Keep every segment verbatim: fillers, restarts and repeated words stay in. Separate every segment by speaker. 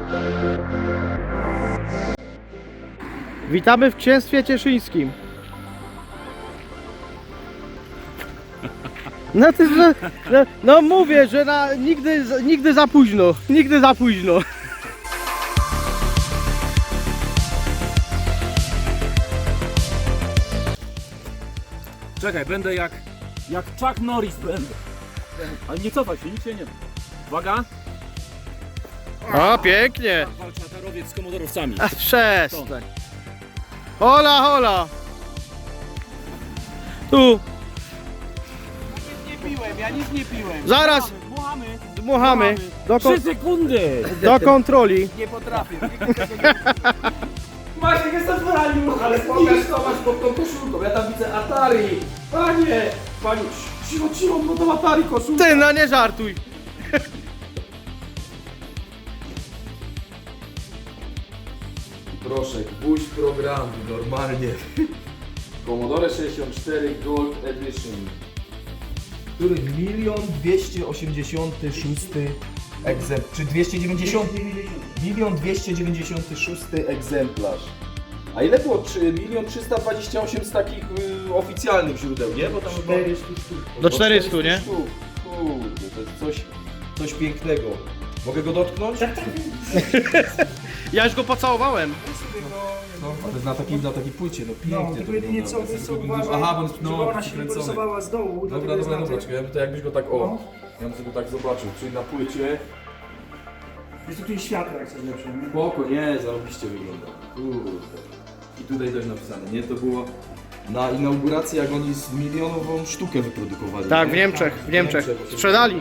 Speaker 1: Witamy w Księstwie Cieszyńskim. No ty, no, no, no mówię, że na, nigdy, nigdy za późno, nigdy za późno.
Speaker 2: Czekaj, będę jak, jak Chuck Norris będę. Ale nie cofaj się, nic się nie da. Uwaga.
Speaker 1: O, pięknie.
Speaker 2: Walczy atarowiec z komodorowcami.
Speaker 1: A przestań. Hola, hola. Tu.
Speaker 2: Nie piłem, ja nic nie piłem.
Speaker 1: Zaraz.
Speaker 2: Dmuchamy.
Speaker 1: Dmuchamy. Do, kon
Speaker 2: Trzy sekundy.
Speaker 1: do kontroli.
Speaker 2: Nie potrafię. Maciek jest odwalił.
Speaker 3: Ale pokaż co masz pod tą koszulką, ja tam widzę Atari! Panie! Panie, cicho, cicho, bo to Atari koszulka!
Speaker 1: Ty, no nie żartuj.
Speaker 3: Proszę, gwóźdź programu, normalnie. Commodore sześćdziesiąt cztery Gold Edition. Który milion dwieście osiemdziesiąty szósty egzemplarz, czy dwieście dziewięćdziesiąt? Milion dwieście dziewięćdziesiąty szósty egzemplarz. A ile było? milion trzysta dwadzieścia osiem z takich y, oficjalnych źródeł, nie? Bo tam chyba...
Speaker 1: Do czterystu, nie?
Speaker 3: sztuk. Kurde, to jest coś, coś pięknego. Mogę go dotknąć?
Speaker 1: Ja już go pocałowałem.
Speaker 3: No, ale na takiej, na takiej płycie, no
Speaker 4: No,
Speaker 3: pięknie
Speaker 4: tylko
Speaker 3: to
Speaker 4: jedynie co,
Speaker 3: wygląda.
Speaker 4: co uważaj,
Speaker 3: Aha, bo on jest
Speaker 4: żeby
Speaker 3: no,
Speaker 4: ona się nie
Speaker 3: przykręcony.
Speaker 4: porysowała z dołu,
Speaker 3: Dobra,
Speaker 4: dlatego jest
Speaker 3: dobra,
Speaker 4: na
Speaker 3: dobra,
Speaker 4: tym.
Speaker 3: czekaj, ja bym to jakbyś go tak, o,
Speaker 4: No.
Speaker 3: ja bym sobie go tak zobaczył, czyli na płycie.
Speaker 4: Jest tutaj światło jak coś lepsze, nie?
Speaker 3: Spoko, nie, zarobiście wygląda. Kurde. I tutaj też napisane, nie? To było na inauguracji, jak oni z milionową sztukę wyprodukowali.
Speaker 1: Tak,
Speaker 3: nie?
Speaker 1: w Niemczech, w Niemczech. Sprzedali.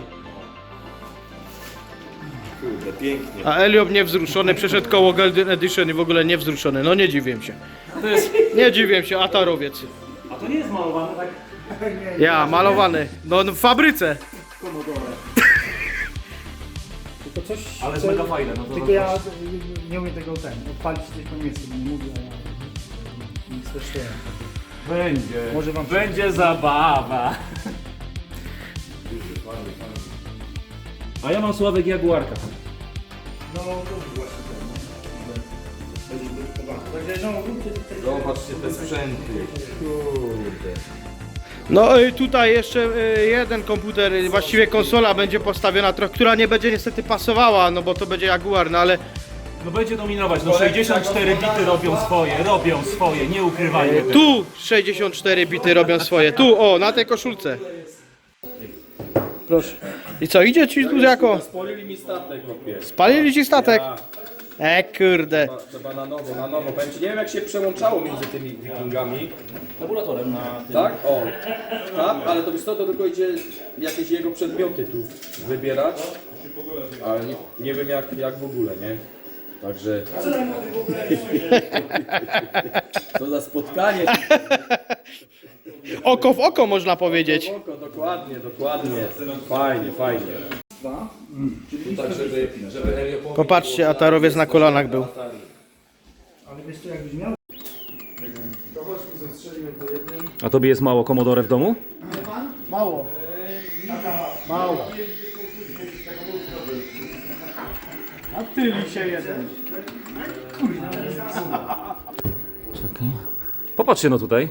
Speaker 3: Kurde, pięknie.
Speaker 1: A Eliob niewzruszony przeszedł koło Golden Edition i w ogóle niewzruszony. No nie dziwię się.
Speaker 2: To jest...
Speaker 1: Nie dziwię się, atarowiec.
Speaker 2: A to nie jest malowane tak
Speaker 1: Ja, malowany. No w fabryce.
Speaker 2: komodore.
Speaker 4: Tylko coś,
Speaker 2: Ale jest
Speaker 4: co-
Speaker 2: mega fajne, no to
Speaker 4: Tylko
Speaker 2: to
Speaker 4: ja y, nie umiem tego ten, odpalić coś po niemiecku, bo nie mówię, a ja nic też nie.
Speaker 2: Będzie.
Speaker 4: Może wam się-
Speaker 2: Będzie zabawa. A ja mam Sławek Jaguarka.
Speaker 4: No to właśnie ten, nie? Będzie wyprodukowany. Także no, róbcie tutaj...
Speaker 3: Zobaczcie te sprzęty. Kurde.
Speaker 1: No i tutaj jeszcze y, jeden komputer, y, właściwie konsola będzie postawiona, trochę, która nie będzie niestety pasowała, no bo to będzie Jaguar, no ale
Speaker 2: No będzie dominować, no sześćdziesiąt cztery bity robią swoje, robią swoje, nie ukrywajmy tego.
Speaker 1: tu sześćdziesiąt cztery bity robią swoje, tu o, na tej koszulce. Proszę. I co, idzie ci tu jako?
Speaker 3: Spolili mi statek, chłopie.
Speaker 1: Spalili ci statek? E kurde.
Speaker 3: Trzeba, trzeba na nowo, na nowo. Powiem ci, nie wiem jak się przełączało między tymi wikingami.
Speaker 2: Tabulatorem na tym.
Speaker 3: Tak? O. Tak, ale to wiesz co, to tylko idzie jakieś jego przedmioty tu wybierać. Ale nie, nie wiem jak, jak w ogóle, nie? Także... Co za spotkanie.
Speaker 1: Oko w oko można powiedzieć.
Speaker 3: Oko, dokładnie, dokładnie. Fajnie, fajnie. Tak, żeby, żeby Helio powiedział,
Speaker 1: Popatrzcie, atarowiec na kolanach był.
Speaker 4: Ale wiesz co, jakbyś miał...
Speaker 2: A tobie jest mało Commodore w domu?
Speaker 1: Mało. Mało. A ty lisie jeden.
Speaker 2: Czekaj. Popatrzcie no tutaj.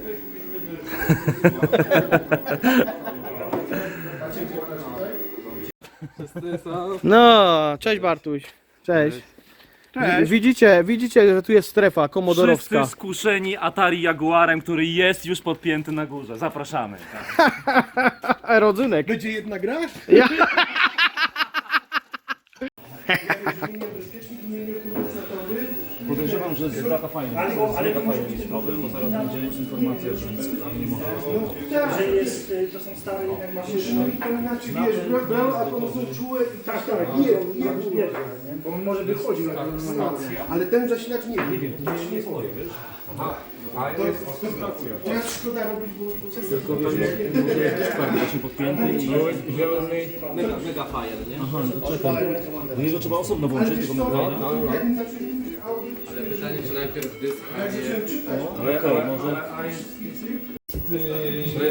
Speaker 1: No, cześć Bartuś. Cześć. Cześć. Widzicie, widzicie, że tu jest strefa komodorowska.
Speaker 2: Wszyscy skuszeni Atari Jaguarem, który jest już podpięty na górze. Zapraszamy.
Speaker 1: Rodzynek.
Speaker 3: Będzie jedna gra?
Speaker 1: Ja.
Speaker 2: Podejrzewam, że z data fajna.
Speaker 4: Ale, ale to może być
Speaker 2: jest
Speaker 4: tylko
Speaker 2: problem, bo zaraz będzie informacja, że nie może.
Speaker 4: że jest, y, to są stare jednak maszyny.
Speaker 5: To znaczy, wiesz, brał, a to są czułe i
Speaker 4: Tak, tak, nie, nie, nie, nie, bo on może wychodził na tę stację.
Speaker 5: ale ten zasilacz nie wiem.
Speaker 2: Nie swoje, wiesz?
Speaker 5: To jest szkoda robić, bo to jest
Speaker 2: Tylko wiesz, może jest właśnie podpięty i zielony.
Speaker 3: Mega, mega fajny, nie?
Speaker 2: Aha, no to czekaj. Do niego trzeba osobno włączyć tego megafaja.
Speaker 5: jak mi zaczęli mówić audio,
Speaker 3: Ale pytanie, czy najpierw dysk, a nie...
Speaker 2: Ale okej, może...
Speaker 3: To jest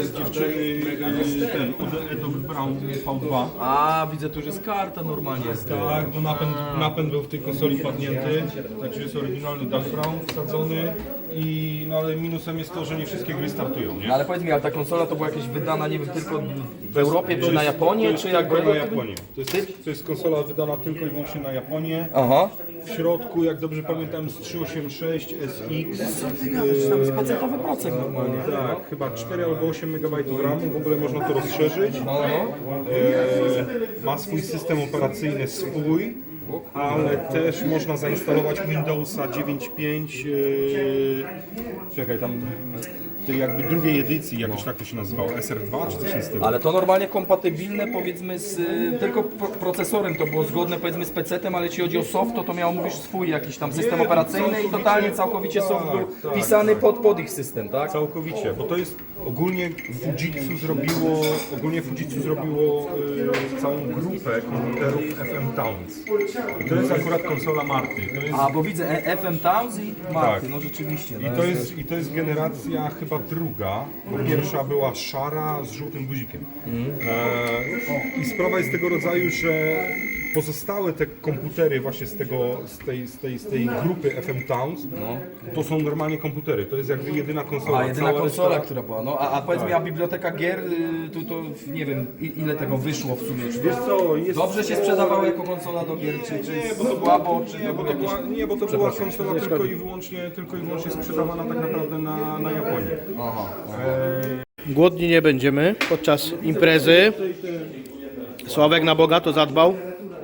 Speaker 5: dziewczyny y, ten od Edo Brown V dwa.
Speaker 3: A, widzę, tu już jest karta normalnie.
Speaker 5: Tak, bo napęd, napęd był w tej konsoli padnięty, także jest oryginalny Doug Brown wsadzony. I, no ale minusem jest to, że nie wszystkie gry startują, nie?
Speaker 3: No ale powiedz mi, ale ta konsola to była jakaś wydana, nie wiem, tylko w Europie, czy na
Speaker 5: To
Speaker 3: Japonię,
Speaker 5: jest
Speaker 3: czy
Speaker 5: tylko
Speaker 3: jak
Speaker 5: na Japonię. To jest, to jest konsola wydana tylko i wyłącznie na Japonię.
Speaker 3: Aha.
Speaker 5: W środku, jak dobrze pamiętam, z trzysta osiemdziesiąt sześć S X.
Speaker 3: Tam jest pacetowy procent normalnie.
Speaker 5: Tak, chyba cztery albo osiem megabajtów ramu, w ogóle można to rozszerzyć.
Speaker 3: No, no.
Speaker 5: E, ma swój system operacyjny swój, ale też można zainstalować Windowsa dziewięć pięć. E, czekaj, tam tej jakby drugiej edycji, jakoś tak to się nazywało, S R dwa czy coś w tym stylu.
Speaker 3: Ale to normalnie kompatybilne, powiedzmy, z y, tylko pro procesorem to było zgodne, powiedzmy, z pecetem, ale jeśli chodzi o soft, to to miał, mówisz, swój jakiś tam system
Speaker 5: Nie,
Speaker 3: operacyjny i
Speaker 5: całkowicie-
Speaker 3: totalnie, całkowicie soft był
Speaker 5: tak, tak,
Speaker 3: pisany
Speaker 5: tak.
Speaker 3: pod, pod ich system, tak?
Speaker 5: Całkowicie, bo to jest ogólnie Fujitsu zrobiło, ogólnie Fujitsu zrobiło y, całą grupę komputerów F M Towns. I to jest akurat konsola Marty. To jest,
Speaker 3: A, bo widzę e, F M Towns i Marty,
Speaker 5: Tak.
Speaker 3: no rzeczywiście.
Speaker 5: i, to jest, I to jest generacja chyba druga, bo pierwsza była szara z żółtym guzikiem. E, I sprawa jest tego rodzaju, że pozostałe te komputery właśnie z, tego, z, tej, z, tej, z tej grupy F M Towns, to są normalnie komputery. To jest jakby jedyna konsola.
Speaker 3: A, jedyna
Speaker 5: Cała
Speaker 3: konsola,
Speaker 5: reszta-
Speaker 3: która była, no a, a powiedz mi, a biblioteka gier, y, tu to nie wiem, i- ile tego wyszło w sumie, czy
Speaker 5: Wiesz co, jest...
Speaker 3: dobrze się sprzedawało jako konsola do gier, czy, czy
Speaker 5: Nie, bo to
Speaker 3: słabo, czy
Speaker 5: Nie,
Speaker 3: to
Speaker 5: bo
Speaker 3: był
Speaker 5: to
Speaker 3: jakiś...
Speaker 5: była, nie, bo to była konsola tylko i wyłącznie, tylko i wyłącznie sprzedawana tak naprawdę na, na Japonię.
Speaker 3: Aha.
Speaker 1: Głodni nie będziemy podczas imprezy. Sławek na bogato zadbał.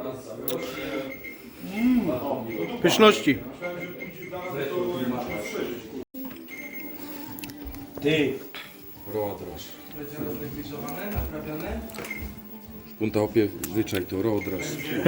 Speaker 1: Pyszności.
Speaker 4: Ty,
Speaker 6: Roadraż. Punta opie wyczaj to, roadraż.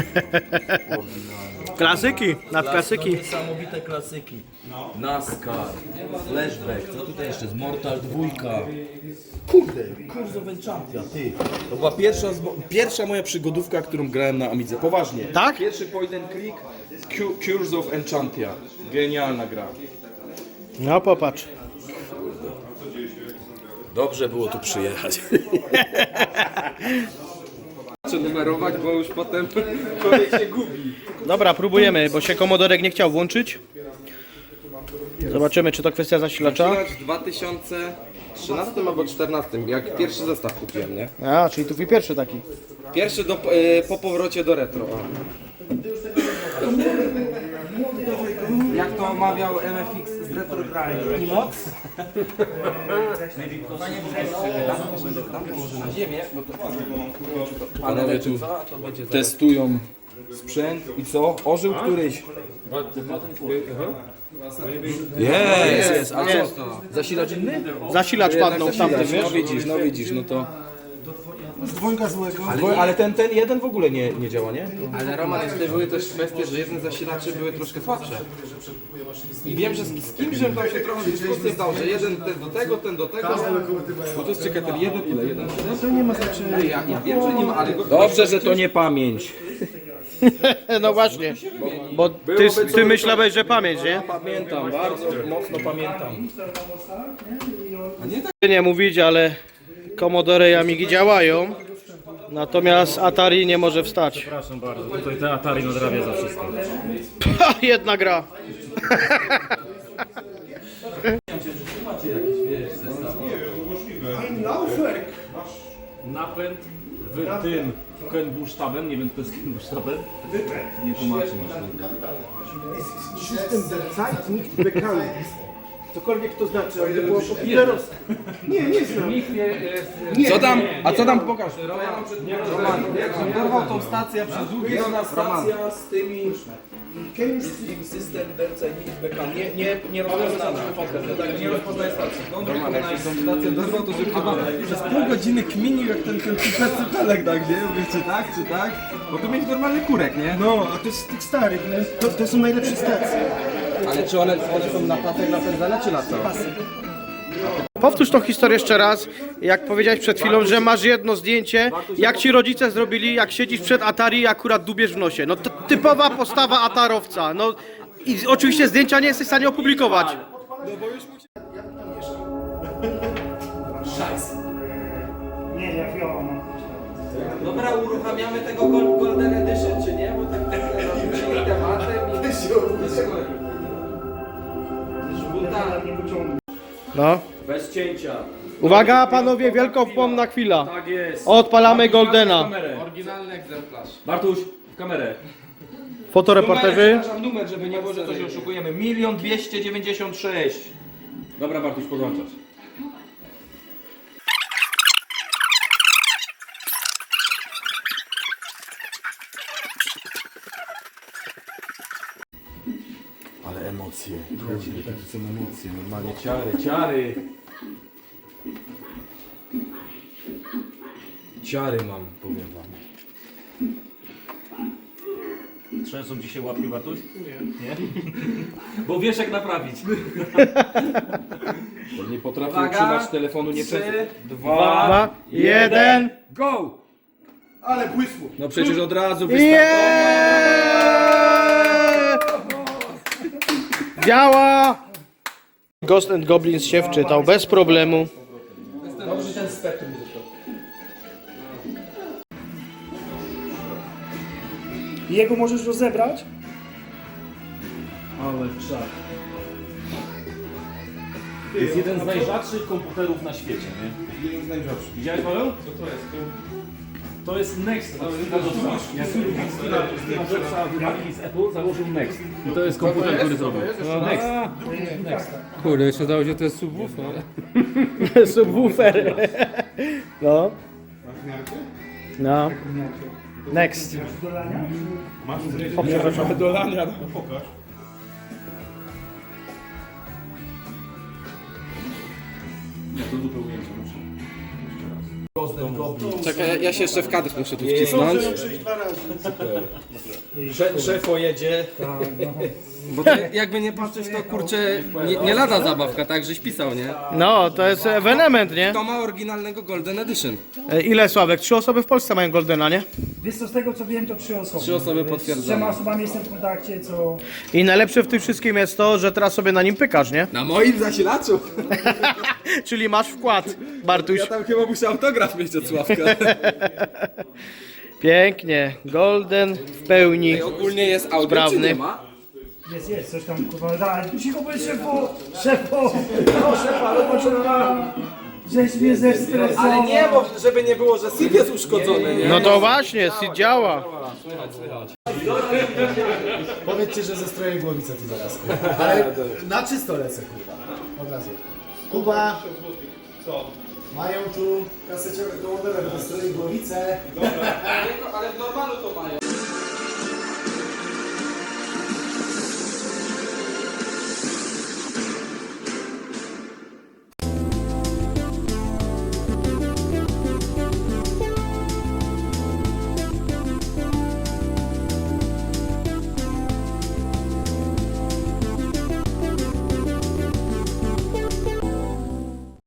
Speaker 1: Klasyki, nadklasyki.
Speaker 3: Niesamowite klasyki. NASCAR, Flashback, co tutaj jeszcze z Mortal dwójka. Kurde, Curse of Enchantia, ty. To była pierwsza, z mo- pierwsza moja przygodówka, którą grałem na Amidze. Poważnie.
Speaker 1: Tak?
Speaker 3: Pierwszy point and click, Cu- Curse of Enchantia. Genialna gra.
Speaker 1: No popatrz.
Speaker 3: Dobrze było tu przyjechać.
Speaker 6: Chcę numerować, bo już potem człowiek się gubi.
Speaker 1: Dobra, próbujemy, bo się komodorek nie chciał włączyć. Zobaczymy, czy to kwestia zasilacza.
Speaker 6: Zaczynać w dwa tysiące trzynastym albo czternastym, jak pierwszy zestaw kupiłem, nie?
Speaker 1: A, czyli tu twój pierwszy taki.
Speaker 6: Pierwszy do, y, po powrocie do retro. O.
Speaker 3: Jak to mawiał M F X z Retro Grind i moc? Tam położę na ziemię, bo to panowie tu testują sprzęt i co? Ożył któryś. Jest, jest, a co? Zasilacz inny?
Speaker 1: Zasilacz padnął w tamtym,
Speaker 3: Zasilacz,
Speaker 1: wiesz?
Speaker 3: no widzisz, no widzisz, no to...
Speaker 4: z dwojga złego.
Speaker 3: Ale, ale ten, ten jeden w ogóle nie, nie działa, nie?
Speaker 6: Ale Roman, jeszcze były też kwestie, że jedne zasilacze były troszkę słabsze. I wiem, że z, z kimś, że tam się trochę dyskusję zdał, że jeden ten do tego, ten do tego. Bo to jest czekaj, ten jeden ile? Jeden?
Speaker 4: To nie ma znaczenia.
Speaker 6: Ja, ja wiem, że nie ma, ale go...
Speaker 3: Dobrze, że to nie pamięć.
Speaker 1: No właśnie, bo ty, ty myślałeś, że pamięć, nie?
Speaker 3: Pamiętam, bardzo mocno pamiętam.
Speaker 1: Nie mówić, ale Commodore i Amigi działają. Natomiast Atari nie może wstać.
Speaker 2: Przepraszam bardzo, tutaj te Atari nadrabia za wszystko.
Speaker 1: Ha, jedna gra.
Speaker 2: Napęd w tym Kenbusztabem, nie wiem co to jest Kenbusztabem. Nie tłumaczę mi.
Speaker 4: System der Zeit nicht bekannt. Cokolwiek to znaczy, ale to było popierowskie. Nie, nie znam.
Speaker 3: Co tam? A co tam pokaż? Roman, dorwał tą stację przez długi ona stacja z tymi Big System D C Bekan. Nie, nie, nie rozpoznana. Tak, nie rozpoznaje stacji. Roman, jak się tą stację dorwał, to żeby chyba przez pół godziny kminił jak ten ten cypelek, tak, nie? Mówię, czy tak, czy tak? Bo tu mieć normalny kurek, nie?
Speaker 4: No, a to jest z tych starych, no, to, to są najlepsze stacje.
Speaker 3: Ale czy one, one są na pasek napędzane, czy na co?
Speaker 1: Powtórz tą historię jeszcze raz, jak powiedziałeś przed chwilą, że masz jedno zdjęcie, jak ci rodzice zrobili, jak siedzisz przed Atari i akurat dubiesz w nosie. No to typowa postawa atarowca. No i oczywiście zdjęcia nie jesteś w stanie opublikować.
Speaker 7: biała ma być.
Speaker 6: Dobra, uruchamiamy tego Gol- Golden Edition, czy nie? Bo tak rozpoczęli tematem i... Żółta.
Speaker 7: Nie pociągnę.
Speaker 1: No.
Speaker 2: Bez cięcia.
Speaker 1: Uwaga panowie, wielkopomna chwila.
Speaker 2: Tak jest.
Speaker 1: Odpalamy
Speaker 2: Bartuś,
Speaker 1: Goldena.
Speaker 2: patrz w kamerę.
Speaker 6: Oryginalny egzemplarz.
Speaker 2: Bartuś, w kamerę.
Speaker 1: Fotoreporterzy.
Speaker 6: Przepraszam, numer, żeby nie było, że coś oszukujemy. Milion dwieście dziewięćdziesiąt sześć.
Speaker 2: Dobra, Bartuś, podłączasz.
Speaker 3: Ale emocje, kurde, takie są emocje, normalnie ciary, ciary. Ciary mam, powiem wam.
Speaker 2: Trzęsą ci się łapki, Bartuś? Nie. Nie? Bo wiesz jak naprawić.
Speaker 3: Bo nie potrafię
Speaker 6: Uwaga,
Speaker 3: utrzymać telefonu nie
Speaker 6: trzy,
Speaker 3: przez...
Speaker 1: Dwa, jeden.
Speaker 3: Go!
Speaker 4: Ale błysło.
Speaker 3: No przecież od razu wystarczy.
Speaker 1: Yeah! Działa! Ghost and Goblins się wczytał bez problemu.
Speaker 3: Dobrze, ten spektrum mi został.
Speaker 7: I jego możesz rozebrać?
Speaker 2: Ale czak. To jest jeden z najrzadszych komputerów na świecie, nie?
Speaker 3: Jeden z najrzadszych.
Speaker 2: Widziałeś, Paweł? Co to jest? To jest Next. To jest Jak Steve Jobsa wywalili z Apple, założył Next. I to jest komputer, który zrobił. Next. Next.
Speaker 6: Kurde, jeszcze dało się to jest subwoofer.
Speaker 1: Subwoofer. No. No. Next. O, przepraszam.
Speaker 3: Dolania, no pokaż.
Speaker 2: Nie, to dupę ujęcia muszę.
Speaker 6: Czekaj, ja się jeszcze w kadr muszę tu wcisnąć. Sze- Szefo jedzie. Bo to jakby nie patrzeć, to kurczę, nie, nie lada zabawka, tak, żeś pisał, nie?
Speaker 1: No, to jest ewenement, nie?
Speaker 6: To ma oryginalnego Golden Edition.
Speaker 1: E, Ile Sławek? Trzy osoby w Polsce mają Goldena, nie?
Speaker 7: Wiesz co, z tego co wiem to trzy osoby.
Speaker 6: Trzy osoby
Speaker 7: Z
Speaker 6: potwierdzone.
Speaker 7: trzema osobami jestem w kontakcie, co...
Speaker 1: I najlepsze w tym wszystkim jest to, że teraz sobie na nim pykasz, nie?
Speaker 6: Na moim zasilaczu.
Speaker 1: Czyli masz wkład, Bartuś.
Speaker 6: Ja tam chyba muszę autograf mieć od Sławka.
Speaker 1: Pięknie. Golden w pełni.
Speaker 6: Ej, ogólnie jest audio,
Speaker 1: Sprawny.
Speaker 6: czy nie ma?
Speaker 7: Jest, jest, coś tam kurwa, daj, cicho bądź szefu, szefu, proszę pana, poczekam, żeś mnie zestresował.
Speaker 6: Ale nie, bo żeby nie było, że S I D jest uszkodzony, nie?
Speaker 1: No to właśnie, Sid działa.
Speaker 4: Powiedzcie, że ze strojem głowicę tu zaraz. Kurwa. Ale na czysto lecę, kurwa. Od razu. Kuba. Mają tu kaseciorek do modelu, na stroje głowicę.
Speaker 6: Ale w normalu to mają.